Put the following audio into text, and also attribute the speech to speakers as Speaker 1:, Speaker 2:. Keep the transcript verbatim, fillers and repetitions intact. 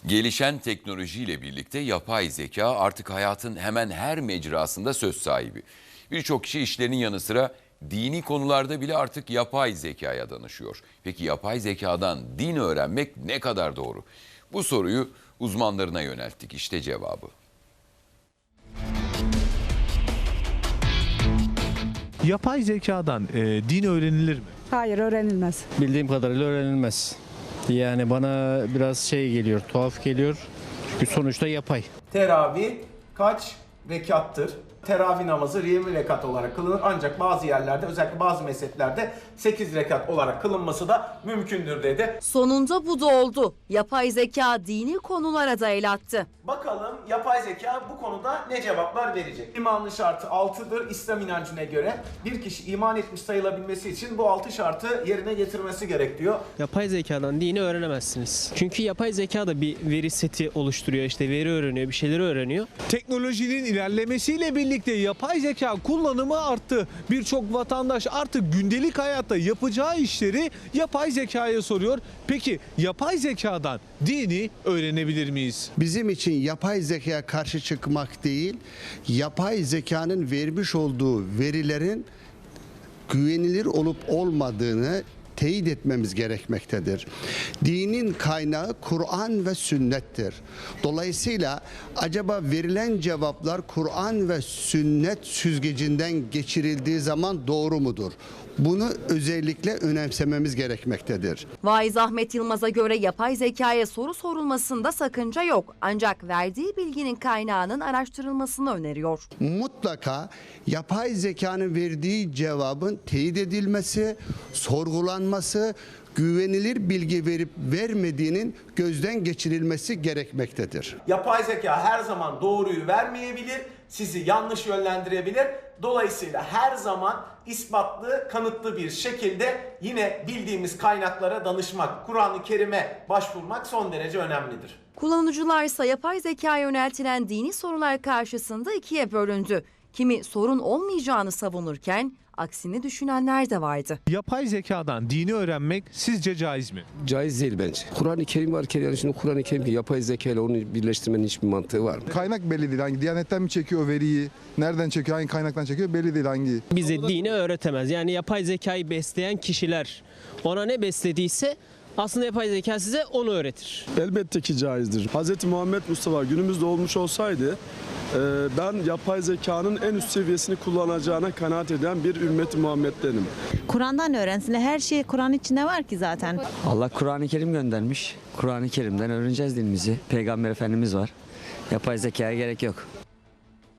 Speaker 1: Gelişen teknolojiyle birlikte yapay zeka artık hayatın hemen her mecrasında söz sahibi. Birçok kişi işlerinin yanı sıra dini konularda bile artık yapay zekaya danışıyor. Peki yapay zekadan din öğrenmek ne kadar doğru? Bu soruyu uzmanlarına yönelttik. İşte cevabı.
Speaker 2: Yapay zekadan e, din öğrenilir mi?
Speaker 3: Hayır, öğrenilmez.
Speaker 4: Bildiğim kadarıyla öğrenilmez. Yani bana biraz şey geliyor, tuhaf geliyor. Çünkü sonuçta yapay.
Speaker 5: Teravih kaç rekattır? Teravih namazı yirmi rekat olarak kılınır ancak bazı yerlerde özellikle bazı mezheplerde sekiz rekat olarak kılınması da mümkündür dedi.
Speaker 6: Sonunda bu da oldu. Yapay zeka dini konulara da el attı.
Speaker 5: Bakalım yapay zeka bu konuda ne cevaplar verecek? İmanın şartı altıdır İslam inancına göre. Bir kişi iman etmiş sayılabilmesi için bu altı şartı yerine getirmesi gerek diyor.
Speaker 7: Yapay zekadan dini öğrenemezsiniz. Çünkü yapay zeka da bir veri seti oluşturuyor, işte veri öğreniyor, bir şeyleri öğreniyor.
Speaker 2: Teknolojinin ilerlemesiyle birlikte yapay zeka kullanımı arttı. Birçok vatandaş artık gündelik hayatta yapacağı işleri yapay zekaya soruyor. Peki yapay zekadan dini öğrenebilir miyiz?
Speaker 8: Bizim için yapay zekaya karşı çıkmak değil, yapay zekanın vermiş olduğu verilerin güvenilir olup olmadığını teyit etmemiz gerekmektedir. Dinin kaynağı Kur'an ve sünnettir. Dolayısıyla acaba verilen cevaplar Kur'an ve sünnet süzgecinden geçirildiği zaman doğru mudur? Bunu özellikle önemsememiz gerekmektedir.
Speaker 6: Vaiz Ahmet Yılmaz'a göre yapay zekaya soru sorulmasında sakınca yok. Ancak verdiği bilginin kaynağının araştırılmasını öneriyor.
Speaker 8: Mutlaka yapay zekanın verdiği cevabın teyit edilmesi, sorgulanması, güvenilir bilgi verip vermediğinin gözden geçirilmesi gerekmektedir.
Speaker 5: Yapay zeka her zaman doğruyu vermeyebilir, sizi yanlış yönlendirebilir. Dolayısıyla her zaman ispatlı, kanıtlı bir şekilde yine bildiğimiz kaynaklara danışmak, Kur'an-ı Kerim'e başvurmak son derece önemlidir.
Speaker 6: Kullanıcılar ise yapay zekaya yöneltilen dini sorular karşısında ikiye bölündü. Kimi sorun olmayacağını savunurken aksini düşünenler de vardı.
Speaker 2: Yapay zekadan dini öğrenmek sizce caiz mi?
Speaker 9: Caiz değil bence. Kur'an-ı Kerim varken yani şimdi Kur'an-ı Kerim yapay zeka ile onu birleştirmenin hiçbir mantığı var mı?
Speaker 10: Kaynak belli değil. Hangi Diyanet'ten mi çekiyor o veriyi? Nereden çekiyor? Hangi kaynaktan çekiyor? Belli değil hangi.
Speaker 7: Bize dini öğretemez. Yani yapay zekayı besleyen kişiler ona ne beslediyse aslında yapay zeka size onu öğretir.
Speaker 11: Elbette ki caizdir. Hz. Muhammed Mustafa günümüzde olmuş olsaydı ben yapay zekanın en üst seviyesini kullanacağına kanaat eden bir ümmet-i Muhammed'denim.
Speaker 12: Kur'an'dan öğrensinler. Her şey Kur'an içinde var ki zaten.
Speaker 13: Allah Kur'an-ı Kerim göndermiş. Kur'an-ı Kerim'den öğreneceğiz dilimizi. Peygamber Efendimiz var. Yapay zekaya gerek yok.